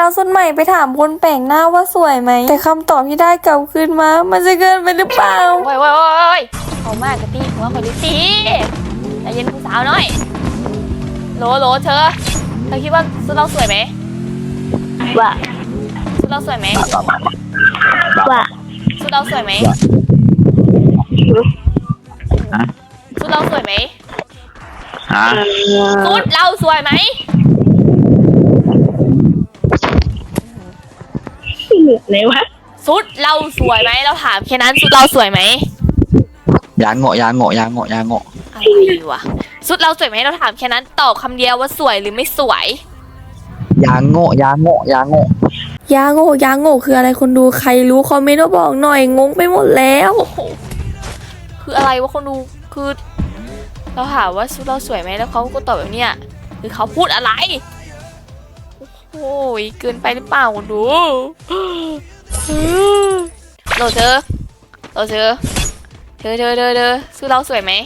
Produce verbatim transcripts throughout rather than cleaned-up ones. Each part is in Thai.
าวสุดใหม่ไปถามคนแปลกหน้าว่าสวยไหมแต่คำตอบที่ได้กลับคืนมามันจะเกินไปหรือเปล่าโว้ยโว้ยโว้ยเขามากกะตีหัวคนดิตีใจเย็นผู้สาวหน่อยโหลโหลเธอเธอคิดว่าสุดเราสวยไหมว่าสุดเราสวยไหมว่าสุดเราสวยไหมสุดเราสวยไหมสุดเราสวยไหมเลยวะสุดเราสวยไหมเราถามแค่นั้นสุดเราสวยไหมยางเงาะยางเงาะยางเงาะยางเงาะอะไรวะสุดเราสวยไหมเราถามแค่นั้นตอบคำเดียวว่าสวยหรือไม่สวยยางเงาะยางเงาะยางเงาะยาโง่ยาโง่คืออะไรคนดูใครรู้คอมเมนต์มาบอกหน่อยงงไปหมดแล้วคืออะไรวะคนดูคือเราถามว่าสุดเราสวยไหมแล้วเขาก็ตอบแบบเนี้ยคือเขาพูดอะไรโอ้ยเกินไปหรือเปล่าคนดูเราเธอเราเธอเธอเธอเธอเธอสุดเราสวยไหม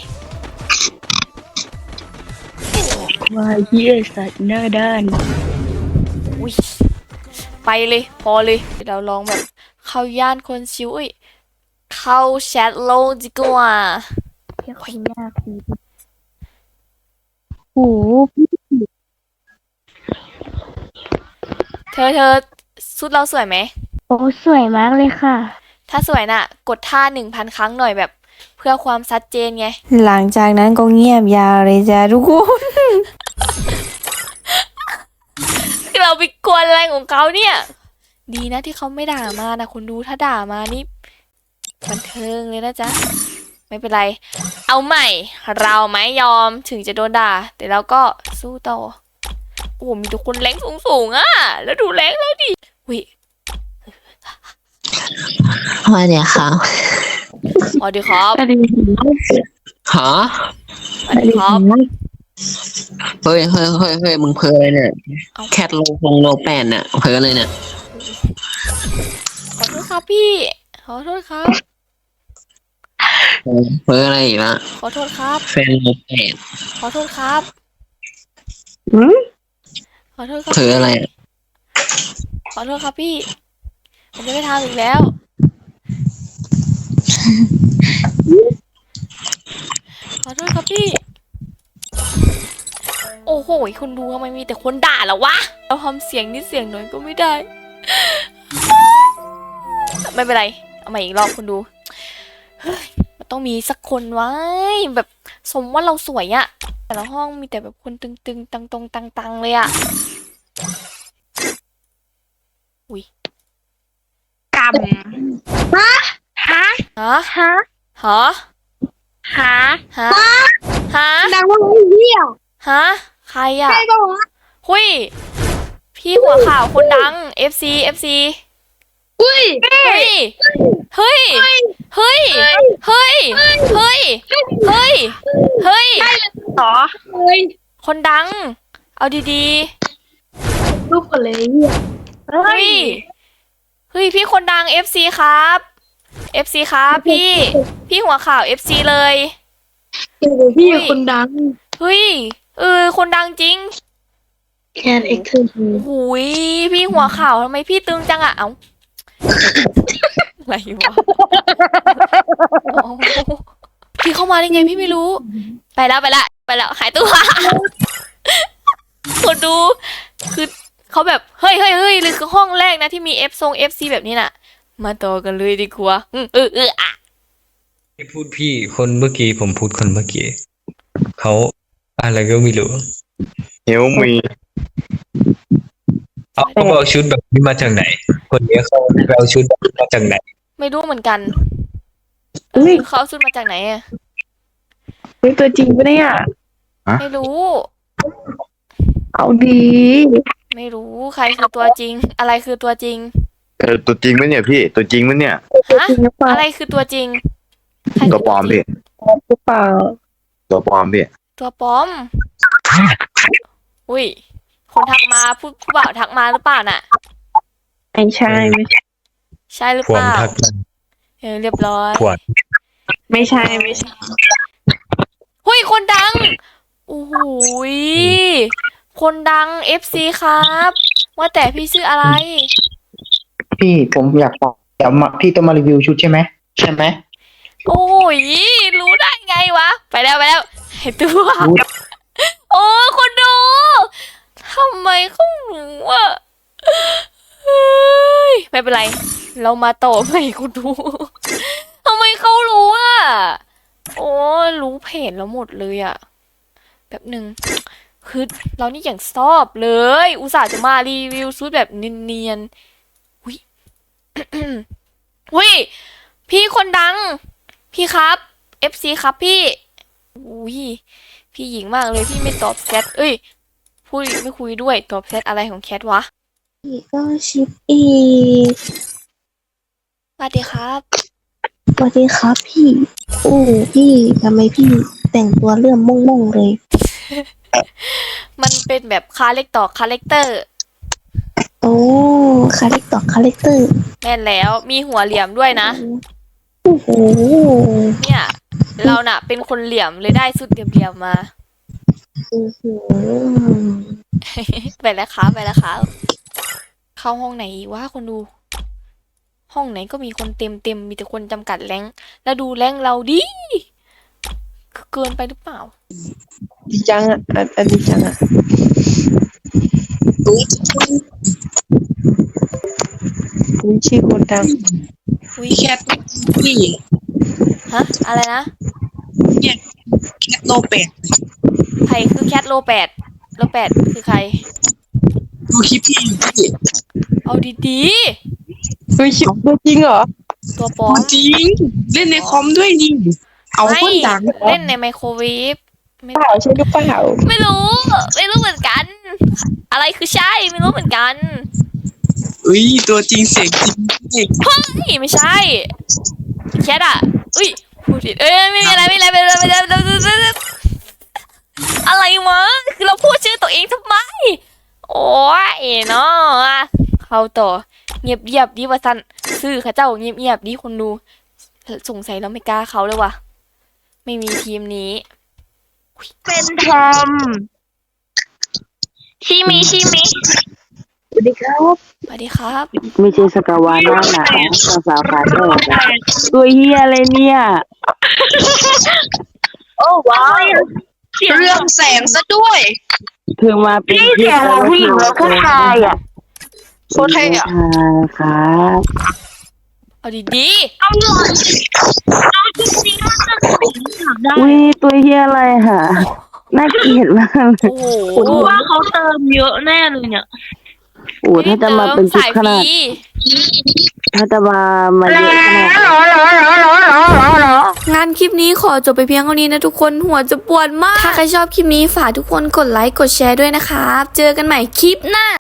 ว่าเยี่ยสัตว์หน้าด้านอุ้ยไปเลยพอเลยเดี๋ยวเราลองแบบเข้าย่านคนชิวอีกเข้าแชทโลกดีกว่าเพียงคนยากดีโอ้เธอเธอสุดเราสวยไหมโอ้สวยมากเลยค่ะถ้าสวยน่ะกดท่าหนึ่งพันครั้งหน่อยแบบเพื่อความชัดเจนไงหลังจากนั้นก็เงียบยาวเลยจ้ะทุกคนเราไปกวนอะไรของเขาเนี่ยดีนะที่เขาไม่ด่ามานะคนดูถ้าด่ามานี่บันเทิงเลยนะจ๊ะไม่เป็นไรเอาใหม่เราไม่ยอมถึงจะโดนด่าแต่เราก็สู้ต่อโอ้มีทุกคนแรงสูงๆอ่ะแล้วดูแรงแล้วดิวิว่าเนี่ยครับสวัสดีครับฮะสวัสดีครับเฮ้ยเฮ้ยเฮ้ยเฮ้ยมึงเพอเลยเนี่ยแคทโลพงโลแปนเนี่ยเพอเลยเนี่ยขอโทษครับพี่ขอโทษครับเพออะไรอีกละขอโทษครับแฟนโลแปนขอโทษครับอืมขอโทษครับเพออะไรขอโทษครับพี่ผมจะไม่ทำอีกแล้วขอโทษครับพี่โอ้โหคนดูทำไมมีแต่คนด่าแล้ววะเราทำเสียงนิดเสียงหน่อยก็ไม่ได้ไม่เป็นไรเอาใหม่อีกรอบคนดูมันต้องมีสักคนไว้แบบสมว่าเราสวยอะแต่ละห้องมีแต่แบบคนตึงๆตังตรงตังๆเลยอะอุ้ยกำฮะฮะฮะฮะฮะฮะฮะฮะดังว่าเหี้ยฮะใครอะใครบอกว่าหุยพี่หัวข่าวคนดัง เอฟ ซี เอฟ ซีอุ้ยเฮ้ยเฮ้ยเฮ้ยเฮ้ยเฮ้ยเฮ้ยเฮ้ยต่อเฮ้ยคนดังเอาดีๆรูปกันเลยเฮ้ยเฮ้ยพี่คนดัง เอฟ ซี ครับ เอฟ ซี ครับพี่พี่หัวข่าว เอฟ ซี เลยพี่คนดังเฮ้ยเออคนดังจริงแคนเอ็กซ์คือหุยพี่หัวข่าวทำไมพี่ตึงจังอะเอ้าอะไรวะพี่เข้ามาได้ไงพี่ไม่รู้ไปแล้วไปแล้วไปแล้วหายตัวคนดูคือเขาแบบเฮ้ยเฮ้ยเฮ้ยเลยคือห้องแรกนะที่มีเอฟทรงเอฟซีแบบนี้น่ะมาต่อกันเลยดีกว่าเออเออเอออะที่พูดพี่คนเมื่อกี้ผมพูดคนเมื่อกี้เขาอะไรก็ไม่รู้เฮลมีเอาเขาเอาชุดแบบนี้มาจากไหนคนนี้เขาเอาชุดแบบนี้มาจากไหนไม่รู้เหมือนกันเขาเอาชุดมาจากไหนอ่ะเป็นตัวจริงปะเนี่ยไม่รู้เอาดีไม่รู้ใครคือตัวจริงอะไรคือตัวจริงเออตัวจริงมั้ยเนี่ยพี่ตัวจริงมั้ยเนี่ยฮะอะไรคือตัวจริงตัวปลอมพี่ตัวเปล่าตัวปลอมพี่ตัวปลอมอุ้ยคนทักมาพูดผู้บ่าวทักมาหรือเปล่าน่ะไม่ใช่ไม่ใช่ใช่หรือเปล่าเออเรียบร้อยไม่ใช่ไม่ใช่หุ้ยคนดังโอ้โหคนดัง เอฟ ซี ครับว่าแต่พี่ชื่ออะไรพี่ผมอยากบอกเดี๋ยวมาพี่ต้องมารีวิวชุดใช่ไหมใช่ไหมโอ้ยรู้ได้ไงวะ ไปแล้วไปแล้วไอ้ตัวรู้โอ้คนดูทำไมเขารู้อ่ะเฮ้ยไม่เป็นไร เรามาต่อใหม่คุณดูทำไมเขารู้อ่ะโอ้รู้เพจแล้วหมดเลยอ่ะแบบหนึ่งคือเรานี่อย่างชอบเลย อุตส่าห์จะมารีวิวชุดแบบเนียนๆอุ้ย อุ้ยพี่คนดัง พี่ครับ เอฟ ซี ครับพี่อุ้ยพี่หญิงมากเลยพี่ไม่ตอบแชทเอ้ยพูดไม่คุยด้วยตอบแชทอะไรของแคทวะอีกก็ชิปอีกสวัสดีครับสวัสดีครับพี่ โอ้พี่ทำไมพี่แต่งตัวเรื่องม่งๆเลยมันเป็นแบบคาเล็กต่อคาแรคเตอร์โอ้คาแรคต่อคาแรคเตอร์แม่นแล้วมีหัวเหลี่ยมด้วยนะโอ้โหเนี่ย เราน่ะ เป็นคนเหลี่ยมเลยได้สุดเหลี่ยมๆมาโอ้โหไปแล้วครับไปแล้วครับเข้าห้องไหนอีกวะคนดู ห้องไหนก็มีคนเต็มเต็มมีแต่คนจำกัดแรงค์แล้วดูแรงค์เราดิเกินไปหรือเปล่าดีจังอ่ะอันอันดีจังอ่ะอุ้ยคุณชื่อคนดังอุ้ยแคทพี่ฮะอะไรนะแคทโลแปดใครคือแคทโลแปดโลแปดคือใครดูคลิปพี่พี่เอาดีเฮ้ยชิบตัวจริงเหรอๆตัวปลอมจริงเล่นในคอมด้วยนี่เอาไม่คนดังเล่นในไมโครเวฟไม่เปล่าใช่หรือเปล่าไม่รู้ ไม่รู้เหมือนกัน อะไรคือใช่ไม่รู้เหมือนกันอุ้ยตัวจริงเสียงจริงพี่นี่ไม่ใช่แคทอ่ะอุ้ยพูดผิดเอ้ยไม่มีอะไรไม่มีอะไรไม่มีอะไรไม่มีอะไรไม่มีอะไรอะไรวะคือเราพูดชื่อตัวเองทำไม โอ้ยเนาะเข้าต่อเงียบเงียบๆดิว่าสันซื่อเข้าเจ้าเงียบเงียบๆดิคนดูสงสัยเราไม่กล้าเขาเลยว่ะไม่มีทีมนี้เป็นทอมชิมิชิมิสวัสดีครับสวัสดีครับไม่ใช่สกาวาน่าหนาภาษาพาเตอร์ตัวเฮียอะไรเนี่ยโอ้ว้าวเรื่องแสงซะด้วยเธอมาเป็นเสียงผู้หญิงแล้วผู้ชายอ่ะโคตรเท่อะครับเอาดีอุ้ยตัวเฮียอะไรฮะน่าเกลียดมากเลๆยโอ้โหว่าเขาเติมเยอะแน่เลยเนี่ยโอ้ถ้าจะมาเป็นชุดสายขฟนาดรีถ้าจะมามาเยอะขนาดงานคลิปนี้ขอจบไปเพียงเท่านี้นะทุกคนหัวจะปวดมาก ถ้าใครชอบคลิปนี้ฝากทุกคนกดไลค์กดแชร์ด้วยนะครับ เจอกันใหม่คลิปหน้า